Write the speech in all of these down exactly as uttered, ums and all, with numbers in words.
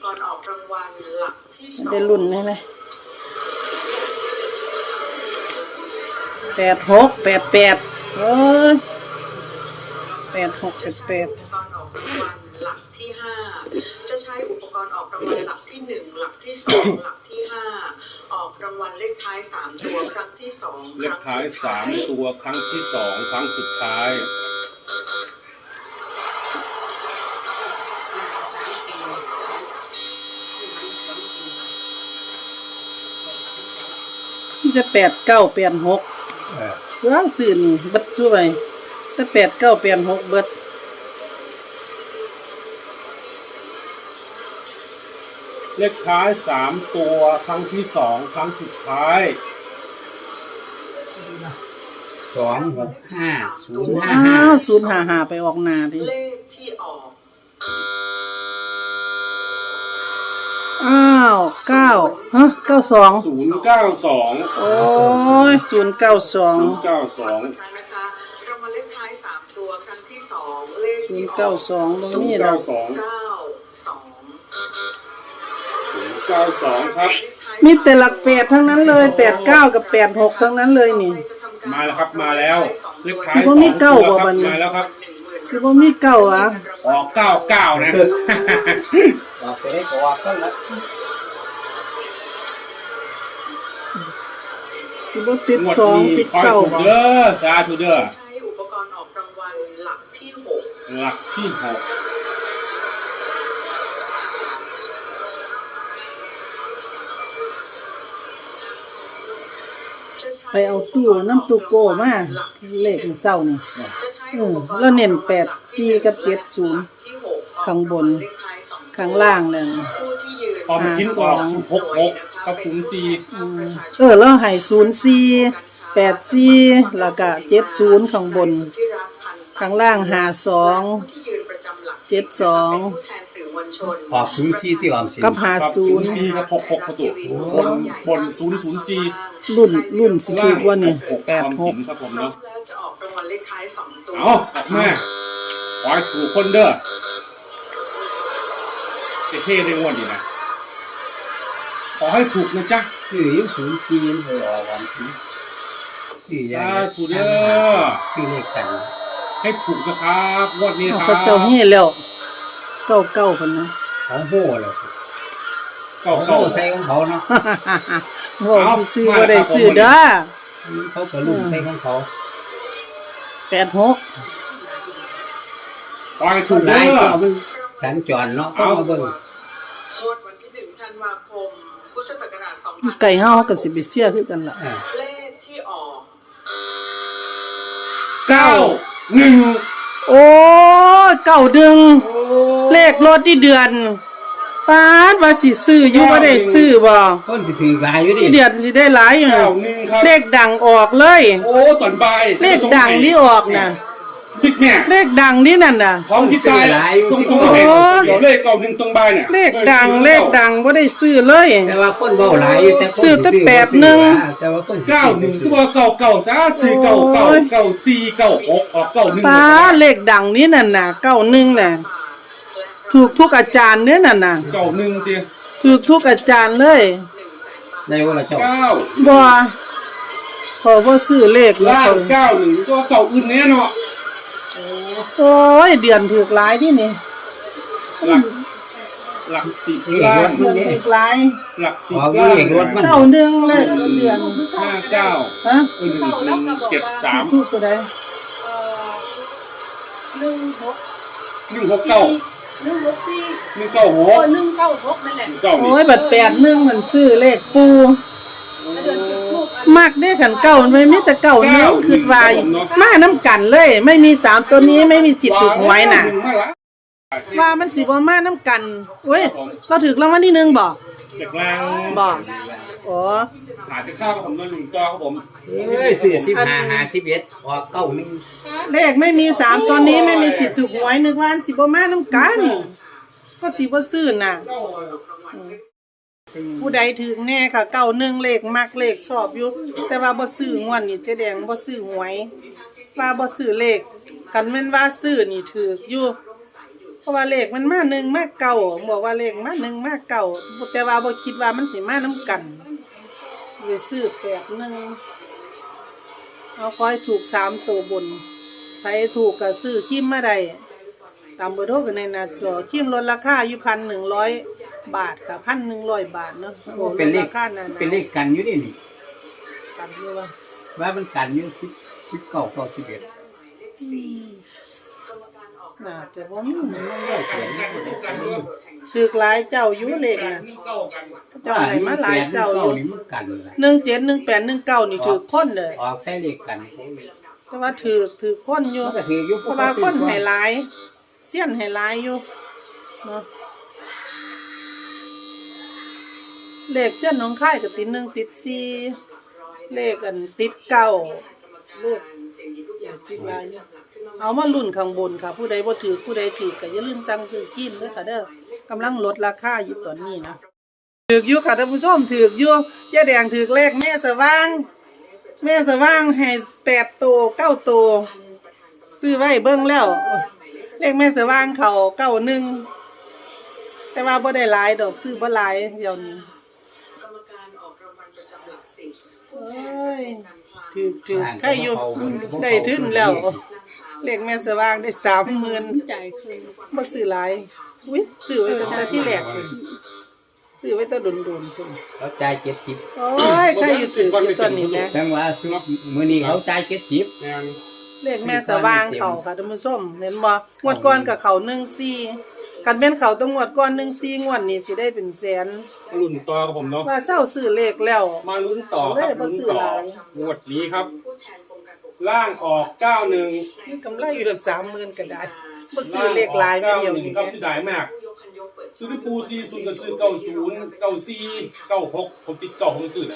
กรณ์ออกรางวัลหลักที่สองได้รุ่นนี่เลยแปดหกแปดแปดเอ้ยแปดหกแปดแปดอุปกรณ์ออกรางวัลหลักที่ห้าจะใช้อุปกรณ์ออกรางวัลหลักที่หนึ่งหลักที่สองหลักที่ห้าออกรางวัลเลขท้ายสามตัวครั้งที่สองเลขท้ายสามตัวครั้งที่สองครั้งสุดท้ายที่จะแปดเก้าแปดหกร้านสื่อนี่เบิดช่วยแต่แปดเก้าแปดหกเบิดเลขท้ายสามตัวครั้งที่สองครั้งสุดท้ายสองหกห้าศูนย์ห้าอ้าห้าวศูนย์ห้าห้าไปออกหน้าดิเลขที่ออกอ้าวเก้าฮะเก้าสองศูนย์เก้าสองโอ้ยศูนย์เก้าสองศูนย์เก้าสองนะคะรางวัลเลขท้ายสามตัวครั้งที่สองเลขศูนย์ที่ออเก้าก สองตรงศูนนี้ย์เราเก้าสองเก้าสองศูนย์เก้าสองครับมีแต่หลักแปดทั้งนั้นเลยแปดเก้ากับแปดหกทั้งนั้นเลยนี่มาแล้วครับมาแล้วเลขท้ายสิสบ่องมีตัเก้าว บ่คบัรัดบนี้มาแล้วครับสิบ่มีเก้าอ่ะออกเก้าเก้านะออกไปได้ก็ออกกันละสิบ่ติดงวดสองนี้ติดคอยเก้าถูกบ่เด้อสาธุเด้อใช้อุปกรณ์ออกรางวัลหลักที่หกหลักที่หกไปเอาตู้น้ำตู้โก้มาเลขมันเศร้านี่เออแล้วเน้นแปดสี่กับเจ็ดศูนย์ข้างบนข้างล่างเลยออมชิ้นออกหกหกกับศูนย์สี่เออแล้วให้ศูนย์สี่แปดสี่แล้วก็เจ็ดศูนย์ข้างบนข้างล่างหาสองเจ็ดสองออกศูนย์ที่ที่ออมสินกับหาศูศูนนย์ย์สี่กับหกหกประตูบนบนศูนย์ศูนย์สี่รุ่นรุ่นสิถูกว่านี่แปดหกครับผมเนาะจะออกรางวัลเลขท้ายสองตัวเอาออกมาขอให้ถูกคนเด้อเท่ๆได้งวดดีนะขอให้ถูกนะจ๊ะชื่อยังศูนย์สี่ไปออกออมสินชื่อยังถูกเด้อชื่อเลขกันให้ถูกนะครับงวดนี้ครับเขาเจ้าเฮ็ดแล้วเก้าเก้าคนนะเขาโห่แล้วเก้าเขาเก้าใส่ของเขาเนาะโง่ซื้อๆบ่ได้ซื้อเด้อเขาก็ลุ่มใส่ของเขาแปดหกขอให้ถูกหเด้ลายอก็มันสัญจรเนาะเอามาเบิ่งงวดวันที่หนึ่งธันวาคมพุทธศักราชสองพันไก่เฮาก็สิไปเสียคือกันล่ะเลขที่ออกเก้าหนึ่งโอ้ยเก้าดึงเลขรถที่เดือนปานว่าสิซื้ออยู่บ่ได้ซื้อบ่คนสิถือหลายอยู่ดิที่เดือนสิได้หลายอยู่เก้าน่ะหนึ่งครับเลขดังออกเลยโอ้ตอนบ่ายเลขดังที่ออกน่ะพิกเนี่ยเลขดังนี่นั่นน่ะพร้อมที่ตายตรงตรงไหนเดี๋ยวเลขเก้าหนึ่งตรงบ่ายเนี่ยเลขดังเลขดังบ่ได้ซื้อเลยแต่ว่าคนเว้าหลายอยู่แต่คนซื้อแต่แปดหนึ่งแต่ว่าคนเก้าหนึ่งคือว่าเก้าเก้าซะสี่เก้าเก้าเก้าสี่เก้าหกออกเก้าหนึ่งป้าเลขดังนี่นั่นน่ะเก้าหนึ่งน่ะถูกทุกอาจารย์เนี่ยนั่นน่ะเก้าหนึ่งเตี้ยถูกทุกอาจารย์เลยได้ว่าละเจ้าเก้าบ่พอบ่ซื้อเลขแล้วล่างเก้าหนึ่งก็เก้าอื่นแน่เนาะโอ้ยเดือนถูกหลายที่นี่หลักหลักสิบเอกล่าร งถเดือนถูกหลายหลักสิบออกล่างเอกรถมันเก้าหนึ่งเลยเดือนห้าเก้าฮะหนึ่งหนึ่งเจ็ดสามถูกตัวใดเอ่อหนึ่งหกหนึ่งหกเก้าหนึ่งหกสี่หนึ่งเก้าหโอ้กหนึ่งเก้าหกนั่นแหละเก้านี่โอ้ยบัดแปดหนึ่งมันซื้อเลขปูเดือนจุดทูบมักได้กันเก้ามันไม่มีแต่เก้าหนึ่งคือว่ามาน้ำกันเลย ไม่มีสามตัวนี้ไม่มีสิทธิ์ถูกหวยน่ะ ว่ามันสิบ่มาน้ำกันเว้ยเราถึกรางวัลที่หนึ่งบ่เด็กล่างบ่อ๋อหาจะข้าวกับผมด้วยหนึ่งตัวครับผมเอ้ยซื้อสิบห้าหาสิบเอ็ดออกเก้าหนึ่งเลขไม่มีสามตัวนี้ไม่มีสิทธิ์ถูกหวยนึกว่าสิบ่มาน้ำกันก็สิบ่ซื้อน่ะผู้ใดถึงแน่ค่ะเก้าหนึ่งเลขมักเลขชอบอยู่แต่ว่าบ่ซื้องวดนี่เจ๊แดงบ่ซื้อหวยว่าบ่ซื้อเลขกันแม่นว่าซื้อนี่ถูกอยู่เพราะว่าเลขมันมาหนึ่งมาเก่าบอกว่าเลขมาหนึ่งมาเก่าแต่ว่าบ่คิดว่ามันสิมานํกันไปซื้อแปดหนึ่งเอาขอให้ถูกสามตัวบนใครถูกก็ซื้อคิมมาได้ตามเบอร์โทรกันในหน้าจอคิมลดราคาอยู่พันหนึ่งร้อยบาทค่ะพันหนึ่งร้อยบาทเนาะโอ้เป็นเลขราคานั้นเป็นเลขกันอยู่ดินี่กันอยู่ว่าว่ามันกันอยู่สิบสิบเก้าเก้าสิบเอ็ดน่าจะบ่มีกันกันกันด้วยถือหลายเจ้าอยู่เลขกันน่ะนึ่งเก้ากันเจ้าให้มาหลายเจ้าอยู่นี่มันกันเลยหนึ่งเจ็ดหนึ่งแปดหนึ่งเก้านี่ถือคนเลยออกใส่เลขกันแต่ว่าถือถือคนอยู่มันก็ถืออยู่เพราะว่าคนให้หลายเสี้ยนให้หลายอยู่เนาะเลขเส้นน้องค่ายก็ติดหนึ่งติดสี่เลขอันติดเก้าเลขติดหลายอยู่เอามาลุ้นข้างบนค่ะ ผู้ใดบ่ถือผู้ใดถือก็อย่าลืมสั่งซื้อครีมเด้อค่ะเด้อกำลังลดราคาอยู่ตอนนี้นะถือกอยู่ค่ะท่านผู้ชมถือกอยู่ยายแดงถือกเลขแม่สว่าง แม่สว่างให้แปดตัวเก้าตัวซื้อไว้เบิ่งแล้วเลขแม่สว่างเขาเก้าหนึ่งแต่ว่าบ่ได้หลายดอกซื้อบ่หลายเดี๋ยวนี้กรรมการออกรางวัลประจำหลักสิบเอ้ยถือกถือกใครอยู่ได้ถึงแล้วเลขแม่สว่างได้สามหมื่นใจคือบ่ซื้อหลายอุ้ยซื้อไว้ตั้งแต่ที่แรกเลยซื้อไว้แต่โดนๆพุ่นเขาจ่ายเจ็ดสิบโอ้ยใครอยู่ถือกอยู่ตอนนี้นะจังว่าซื้อมื้อนี้เขาจ่ายเจ็ดสิบงานเลขแม่สว่างเขาค่ะท่านผู้ชมเห็นบ่งวดก่อนกับเขาหนึ่งสี่คันแม่นเขาต้องงวดก่อนหนึ่งสี่งวดนี้สิได้เป็นแสนรุ่นต่อกับผมเนาะว่าเศร้าซื้อเลขแล้วมาลุ้นต่อครับลุ้นต่องวดนี้ครับผู้แทนกรมการปกครองล่างออกเก้าหนึ่งมีกำไรอยู่ตั้งสามหมื่นก็ได้บ่ซื้อเลขหลายไม่เดียวหนึ่งนี่ครับที่ได้มากผู้ยกคันยกเปิดซื้อที่ปูซีศูนย์ก็ซื้อเก้าศูนย์เก้าสี่เก้าหกผมติดเก้าผมซื้อนะ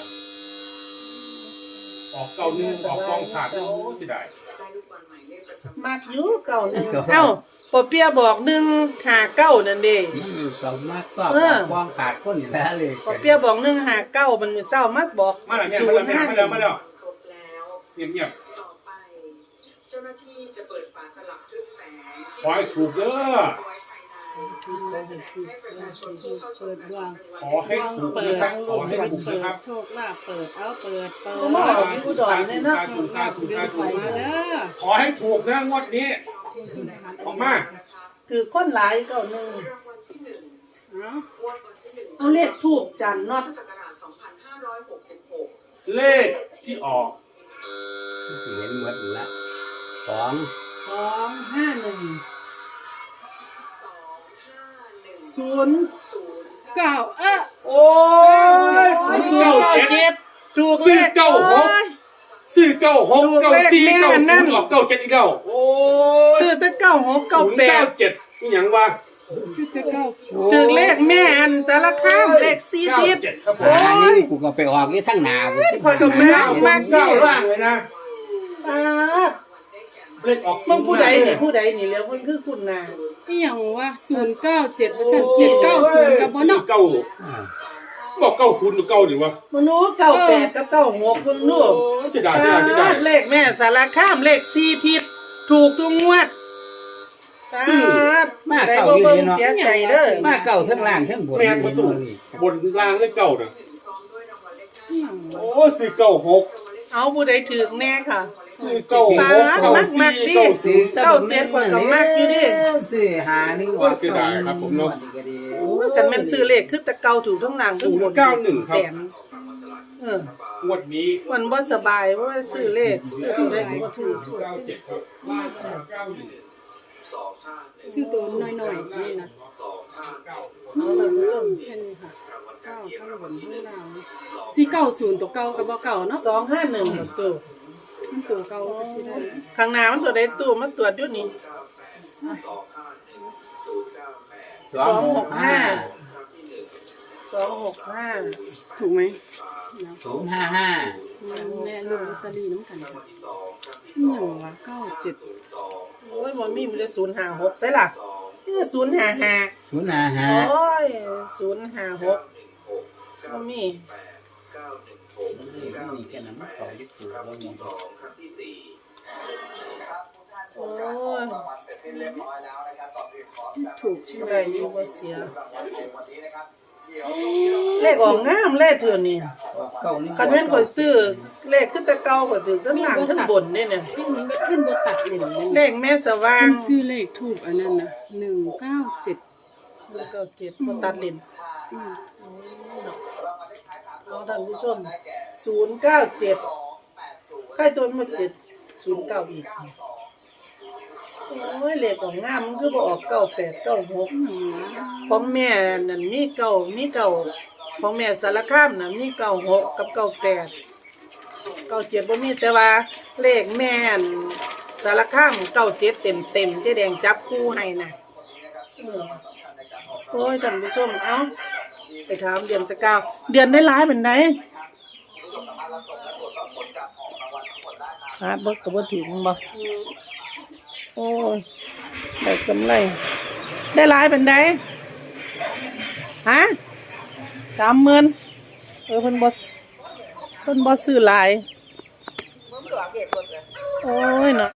ออกเก้าหนึ่งออกกองขาดโอ้เสียดายได้ลูกบอลหมายเลขประจำมากอยู่เก่าหนึงเอ้าปอเปียบอกหนึ่งห้าเก้านั่นเด้มันก็มากสอบเออวางขาดคนอยู่แล้วเลยปอเปียบอกหนึ่งห้าเก้ามันมื้อเช้ามักบอกมาแล้วศูเนี่ยนย์มาห้าแล้วมาแล้วมาแล้วครบแล้วเงียบเงียบต่อไป เจ้าหน้าที่จะเปิดฝาตลับทึบแสงขอให้ถูกเด้อไว้ภายในและแสดงให้ประชาชนผู้เข้าชมการขอให้ถูกนะครับขอให้ถูกนะครับโชคลาภเปิดเอาเปิดเปิดโอ้มาออกอยู่อุดรเนี่ยเนาะสาธุสาธุสาธุมาเด้อขอให้ถูกนะงวดนี้ออกมาคือคนหลายเก่าหนึงรางวัลที่หนึ่งเนาะงวดวันที่หนึ่งเอาเลขทูบจันทร์เนาะพุทธศักราชสองพันห้าร้อยหกสิบหกเลขที่ออกเห็นหมดละสองสองห้าหนึ่งสองห้าหนึ่งศูนย์ศูนย์เก้าเอ๊ะโอ้ยศูสี่นย์เก้าเก้าเจ็เจ็ดดถูกสี่เลขเก้าหกโอ้ยสี่เก้าหกถูกเก้าเลขสี่แม่เก้านั่ศูนนย์ออกเก้าเจ็ดอีกแล้วโอ้ยซื้อแต่เก้าหกเก้าศูนย์แปเก้าดเจ็ดนี่หยังวะชื่อจะเก้าถึงเลขแม่อันสารคามเลขสี่เก้าทิศเจ็ดครับผมหานี่กูก็ไปออกนี่ทั้งหนากูพอสมมากมากเก้านี่ล่างเลยนะปาดเลขออกมึงผู้ใดศูนี่นย์ผู้ใดนี่แล้วมันคือคุณนาอีหยังวะศูนย์เก้าเจ็ดเปอร์เซ็นต์เจ็ดเก้าศูนย์กับบ่เนาะเก้าบอกเก้าศูนย์หรือเก้าดีวะมนุษย์เก้าแปดกับเก้าหกเพิ่งนู่นโอ้ยเสียดายเสียดายเสียดายเลขแม่สารคามเลขสี่ทิศถูกทุกงวดปาดมาได้เก่าบ่อยู่เบิ่งนี่เนาะเสียใจเด้อมาเก่าทั้งล่างทั้งบนแม่นประตูบนล่างเลขเก้านะอีหยังวะโอ้สี่เก้าหกเอาผู้ใดถือแน่ค่ะสี่เก้าหกปาดเก้ามักมักสี่ดิเก้าศูนย์เก้าเจ็ดกว่าก็มากอยู่ดิซื้อหาหนึ่งโอ้ยเสียดายครับผมเนาะโอ้ยกันแม่นซื้อเลขคือแต่เก่าถูกทั้งล่างทั้งบนศูนย์เก้าหนึ่งครับแสนเอองวดนี้มันบ่สบายเพราะว่าซื้อเลขซื้อเลขบ่ถูกเก้าเจ็ดครับล่างเก้าหนึ่งชื่อตัวน้อยๆนี่นะเอาล่ะผู้ชมแค่นี้ค่ะเก้าข้างบนข้างล่างสี่เก้าศูนย์ตัวเก่ากับบ่เก่าเนาะสองห้าหนึ่งตัวมันตัวเก่าก็สิได้ข้างหน้ามันตัวใดตู้มาตรวจอยู่นี่สองหกห้าสองหกห้าถูกไหมศูนย์ห้าห้าแม่ลูกลอตเตอรี่น้ำกันค่ะอีหยังวะเก้าเจ็ดโอ้ยบ่มีมันจะศูนย์ห้าหกใช่ล่ะนี่จะศูนย์ห้าห้าศูนย์ห้าห้าโอ้ยศูนย์ห้าหกบ่มีนี่แค่นั้นมันต่อยึดถือแล้วนี่ครั้งที่สี่โอ้ยถูกใช่ไหมได้อยู่บ่เสียเลขออกงามเลขเถื่อนี่เก้านี่คันแม่นข่อยซื้อเลขขึ้นแต่เก่าก็ถึงทั้งล่างทั้งบนนี่เนี่ยพี่มันขึ้นบ่ตัดเหล่มนั่นเลขแม่สว่างเพิ่นซื้อเลขถูกอันนั้นนะหนึ่งเก้าเจ็ดเก้าเจ็ดบ่ตัดเลนอืมเอาท่านผู้ชมศูนย์เก้าเจ็ดใกล้ตัวมันเจ็ดศูนย์เก้าอีกโอ้ยเลขของงามมันคือบ่ออกเก้าแปดเก้าหกของแม่นั่นมีเก้ามีเก้าของแม่สารคามน่ะมีเก้าหกกับเก้าแปดเก้าเจ็ดบ่มีแต่ว่าเลขแม่นสารคามเก้าเจ็ดเต็มเต็มๆเจ๊แดงจับคู่ให้น่ะเออโอ้ยท่านผู้ชมเอ้าไปถามเดือนสกาวเดือนได้หลายเป็นไดหาบ่ก็บ่ถึงบ่โอ้ยได้กำไรได้หลายเป็นไดฮะสามหมื่นเออเพิ่นบ่เพิ่นบ่ซื้อหลายโอ้ยเนาะ